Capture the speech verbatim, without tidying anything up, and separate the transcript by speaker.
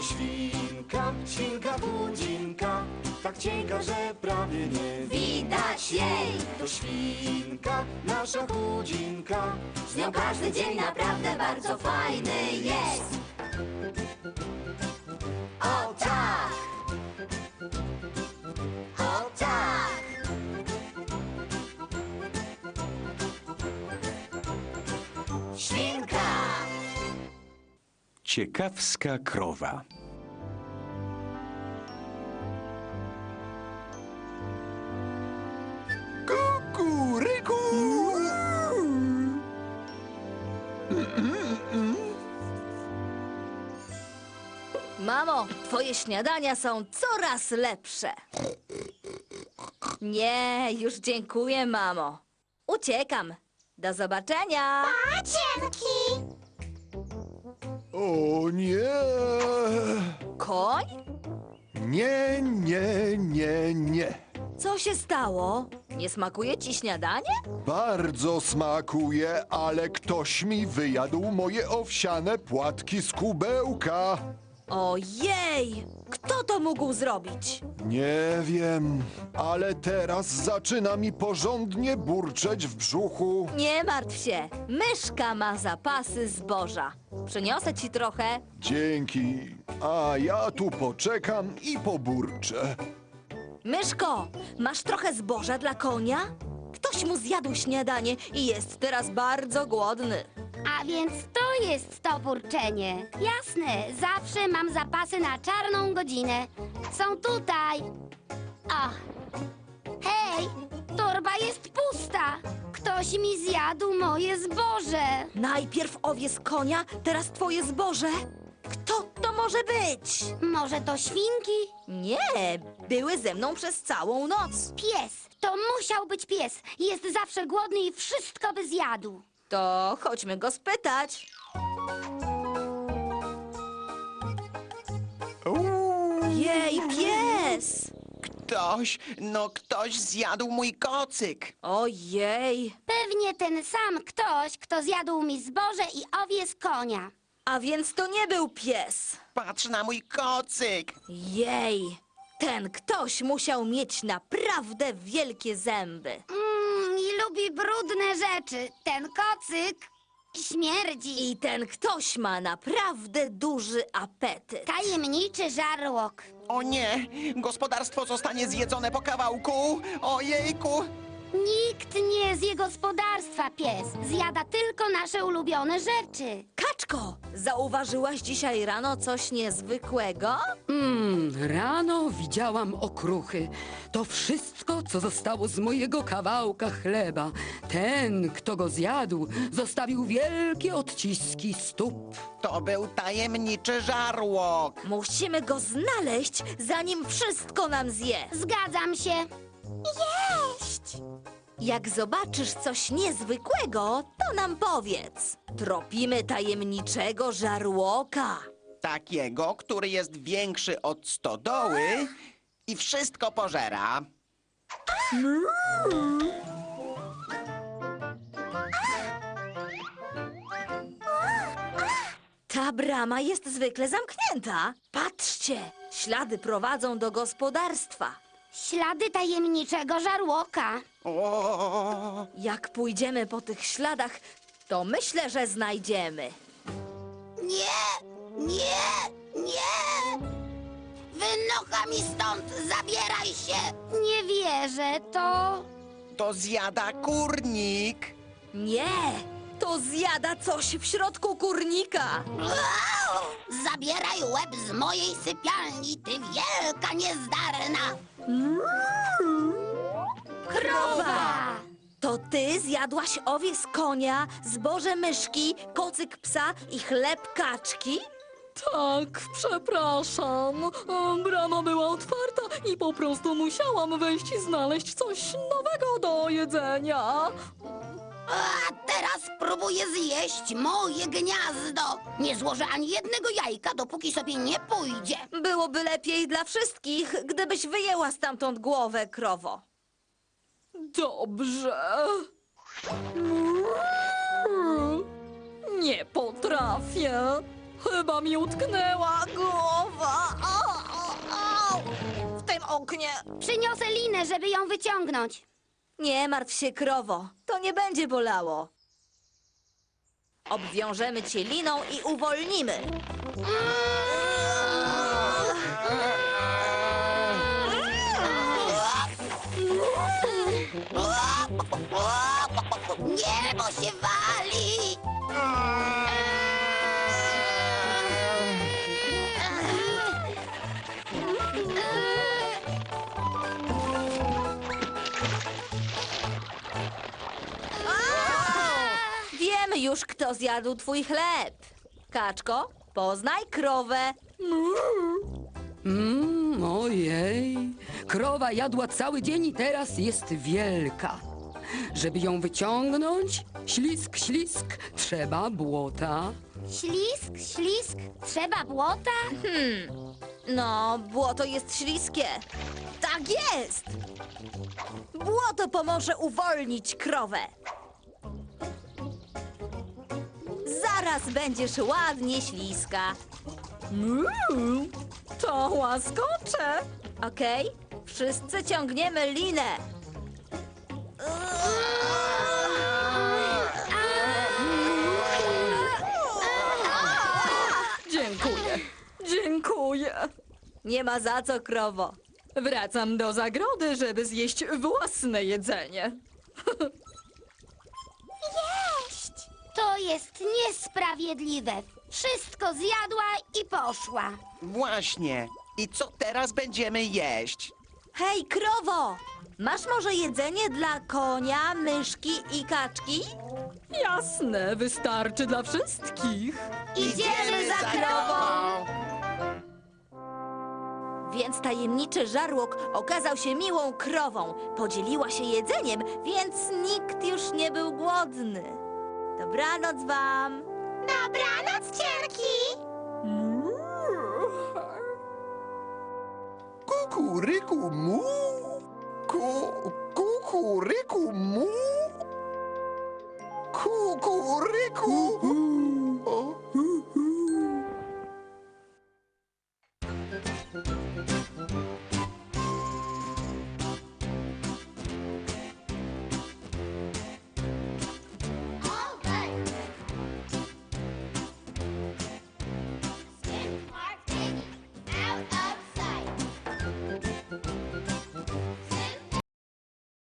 Speaker 1: świnka, świnka chudzinka, tak cienka, że prawie nie widać jej. To świnka, nasza chudzinka, z nią każdy dzień naprawdę bardzo fajny jest. O tak! O tak! Świnka!
Speaker 2: Ciekawska krowa.
Speaker 3: Kukuryku!
Speaker 4: Mamo, twoje śniadania są coraz lepsze. Nie, już dziękuję, mamo. Uciekam. Do zobaczenia.
Speaker 5: Cienki!
Speaker 3: O nie!
Speaker 4: Koń?
Speaker 3: Nie, nie, nie, nie.
Speaker 4: Co się stało? Nie smakuje ci śniadanie?
Speaker 3: Bardzo smakuje, ale ktoś mi wyjadł moje owsiane płatki z kubełka.
Speaker 4: Ojej! Kto to mógł zrobić?
Speaker 3: Nie wiem, ale teraz zaczyna mi porządnie burczeć w brzuchu.
Speaker 4: Nie martw się. Myszka ma zapasy zboża. Przyniosę ci trochę.
Speaker 3: Dzięki. A ja tu poczekam i poburczę.
Speaker 4: Myszko, masz trochę zboża dla konia? Ktoś mu zjadł śniadanie i jest teraz bardzo głodny.
Speaker 5: A więc to jest to burczenie. Jasne, zawsze mam zapasy na czarną godzinę. Są tutaj. O! Hej, torba jest pusta. Ktoś mi zjadł moje zboże.
Speaker 4: Najpierw owiec konia, teraz twoje zboże. Kto to może być?
Speaker 5: Może to świnki?
Speaker 4: Nie, były ze mną przez całą noc.
Speaker 5: Pies. To musiał być pies. Jest zawsze głodny i wszystko by zjadł.
Speaker 4: To chodźmy go spytać. Jej, pies!
Speaker 6: Ktoś, no ktoś zjadł mój kocyk.
Speaker 4: Ojej,
Speaker 5: Pewnie ten sam ktoś, kto zjadł mi zboże i owiec konia.
Speaker 4: a więc to nie był pies.
Speaker 6: Patrz na mój kocyk.
Speaker 4: Jej, ten ktoś musiał mieć naprawdę wielkie zęby.
Speaker 5: Mmm, i lubi brudne rzeczy. Ten kocyk śmierdzi.
Speaker 4: I ten ktoś ma naprawdę duży apetyt.
Speaker 5: Tajemniczy żarłok.
Speaker 6: O nie, gospodarstwo zostanie zjedzone po kawałku. Ojejku.
Speaker 5: Nikt nie zje gospodarstwa, pies. Zjada tylko nasze ulubione rzeczy.
Speaker 4: Kaczko, zauważyłaś dzisiaj rano coś niezwykłego?
Speaker 7: Mm, rano widziałam okruchy. To wszystko, co zostało z mojego kawałka chleba. Ten, kto go zjadł, zostawił wielkie odciski stóp.
Speaker 6: To był tajemniczy żarłok.
Speaker 4: Musimy go znaleźć, zanim wszystko nam zje.
Speaker 5: Zgadzam się.
Speaker 4: Jeść! Jak zobaczysz coś niezwykłego, to nam powiedz. Tropimy tajemniczego żarłoka.
Speaker 6: Takiego, który jest większy od stodoły i wszystko pożera.
Speaker 4: Ta brama jest zwykle zamknięta. Patrzcie, ślady prowadzą do gospodarstwa.
Speaker 5: Ślady tajemniczego żarłoka.
Speaker 6: O,
Speaker 4: Jak pójdziemy po tych śladach, to myślę, że znajdziemy.
Speaker 5: Nie, nie, nie! Wynocha mi stąd, zabieraj się! Nie wierzę, to...
Speaker 6: to zjada kurnik.
Speaker 4: Nie, to zjada coś w środku kurnika.
Speaker 5: Au! Zabieraj łeb z mojej sypialni, ty wielka niezdarna!
Speaker 4: Krowa! To ty zjadłaś owiec konia, zboże myszki, kocyk psa i chleb kaczki?
Speaker 8: Tak, przepraszam. E, Brama była otwarta i po prostu musiałam wejść i znaleźć coś nowego do jedzenia.
Speaker 5: A teraz próbuję zjeść moje gniazdo. Nie złożę ani jednego jajka, dopóki sobie nie pójdzie.
Speaker 4: Byłoby lepiej dla wszystkich, gdybyś wyjęła stamtąd głowę, krowo.
Speaker 8: Dobrze. Nie potrafię. Chyba mi utknęła głowa.
Speaker 4: zamoknie.
Speaker 5: Przyniosę linę, żeby ją wyciągnąć.
Speaker 4: Nie martw się, krowo. To nie będzie bolało. Obwiążemy cię liną i uwolnimy.
Speaker 5: Niebo się wali!
Speaker 4: Wiemy już, kto zjadł twój chleb. Kaczko, poznaj krowę.
Speaker 7: Mmm, ojej. Krowa jadła cały dzień i teraz jest wielka. Żeby ją wyciągnąć, ślisk, ślisk, trzeba błota.
Speaker 5: Ślisk, ślisk, trzeba błota?
Speaker 4: No, błoto jest śliskie. Tak jest! Błoto pomoże uwolnić krowę. Zaraz będziesz ładnie śliska.
Speaker 8: Uuu, to łaskocze.
Speaker 4: Okej? Wszyscy ciągniemy linę.
Speaker 8: Dziękuję. Dziękuję.
Speaker 4: Nie ma za co, krowo.
Speaker 8: Wracam do zagrody, żeby zjeść własne jedzenie.
Speaker 5: Jeść! To jest niesprawiedliwe. Wszystko zjadła i poszła.
Speaker 6: Właśnie. I co teraz będziemy jeść?
Speaker 4: Hej, krowo! Masz może jedzenie dla konia, myszki i kaczki?
Speaker 8: Jasne, wystarczy dla wszystkich.
Speaker 4: Idziemy za krową! Więc tajemniczy żarłok okazał się miłą krową. Podzieliła się jedzeniem, więc nikt już nie był głodny. Dobranoc wam!
Speaker 5: Dobranoc, cienki!
Speaker 3: Kukuryku mu. Ku, kukuryku mu. Kukuryku. O,